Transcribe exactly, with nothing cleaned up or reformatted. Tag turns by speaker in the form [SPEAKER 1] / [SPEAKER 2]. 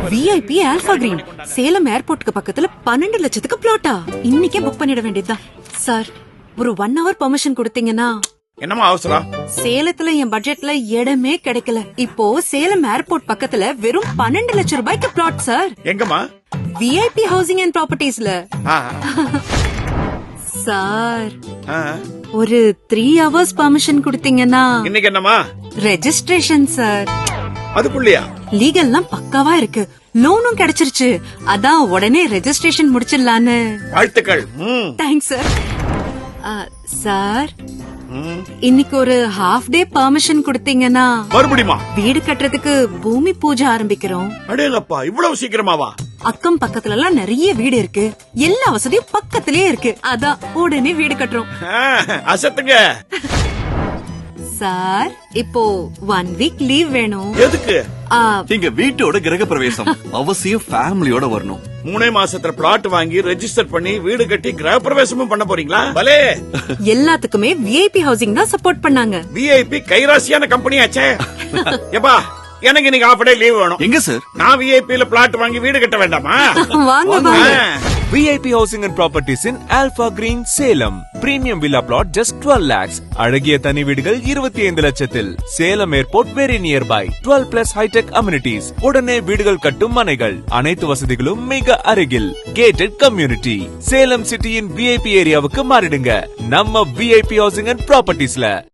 [SPEAKER 1] VIP alpha green Salem ஏர்போர்ட்டுக்கு பக்கத்துல பன்னெண்டு லட்சத்துக்கு பிளாட்டா இன்னைக்கே புக் பண்ணிட வேண்டியதுதான். சார் ஒரு ஒன் ஹவர் பெர்மிஷன் கொடுத்தீங்கன்னா.
[SPEAKER 2] என்னமா அவசரம்?
[SPEAKER 1] சேலத்துல என் பட்ஜெட்ல இடமே கிடைக்கல. இப்போ சேலம் ஏர்போர்ட் பக்கத்துல வெறும் பன்னெண்டு லட்சம் ரூபாய்க்கு பிளாட் சார்.
[SPEAKER 2] எங்கம்மா?
[SPEAKER 1] விஐபி ஹவுசிங் அண்ட் ப்ராப்பர்ட்டிஸ்ல. சார் ஒரு த்ரீ ஹவர்ஸ் பெர்மிஷன் கொடுத்தீங்கன்னா.
[SPEAKER 2] இன்னைக்கு என்னமா?
[SPEAKER 1] Registration sir.
[SPEAKER 2] அதுக்குள்ளயா?
[SPEAKER 1] லீகல்லாம் பக்காவா இருக்கு, லோனும் கிடைச்சிருச்சு. அதான் உடனே ரெஜிஸ்ட்ரேஷன் முடிச்சிடலான்னு.
[SPEAKER 2] வாழ்த்துக்கள்.
[SPEAKER 1] Thanks sir. சார் இன்னைக்கு ஒரு ஹாஃப் டே பெர்மிஷன் கொடுத்தீங்கன்னா
[SPEAKER 2] மறுபடியுமா?
[SPEAKER 1] வீடு கட்டுறதுக்கு பூமி பூஜை ஆரம்பிக்கிறோம்.
[SPEAKER 2] அடேங்கப்பா, இவ்வளவு சீக்கிரமாவா?
[SPEAKER 1] அக்கம் பக்கத்துல எல்லாம் நிறைய வீடு இருக்கு, எல்லா வசதியும் பக்கத்திலேயே இருக்கு. அதான் உடனே வீடு கட்டுறோம்.
[SPEAKER 2] அசத்துங்க.
[SPEAKER 1] சார் இப்போ ஒன் வீக் லீவ் வேணும்.
[SPEAKER 2] எதுக்கு?
[SPEAKER 3] எங்க வீட்டோட கிரக பிரவேசம், அவசியம் ஃபேமிலியோட வரணும்.
[SPEAKER 2] மூணே மாசத்துல பிளாட் வாங்கி ரெஜிஸ்டர் பண்ணி வீடு கட்டி கிரக பிரவேசமும் பண்ண போறீங்களா? பலே.
[SPEAKER 1] எல்லாத்துக்குமே விஐபி ஹவுசிங் தான் சப்போர்ட் பண்ணாங்க.
[SPEAKER 2] விஐபி கைராசியான கம்பெனி ஆச்சே. எப்பா எனக்கு இன்னைக்கு ஹாஃப் டே லீவ் வேணும்.
[SPEAKER 3] எங்க சார்?
[SPEAKER 2] நான் விஐபில பிளாட் வாங்கி வீடு கட்ட வேண்டாமா?
[SPEAKER 1] வாங்க வாங்க.
[SPEAKER 4] V I P Housing and Properties in Alpha Green, Salem. Premium villa plot just twelve lakhs. அழகிய தனி வீடுகள் இருபத்தி ஐந்து லட்சத்தில். Salem airport very nearby. twelve plus high tech amenities. உடனே வீடுகள் கட்டும் மனைகள். அனைத்து வசதிகளும் மிக அருகில். Gated community. Salem சிட்டியின் V I P ஏரியாவுக்கு மாறிடுங்க. நம்ம V I P Housing and Propertiesல.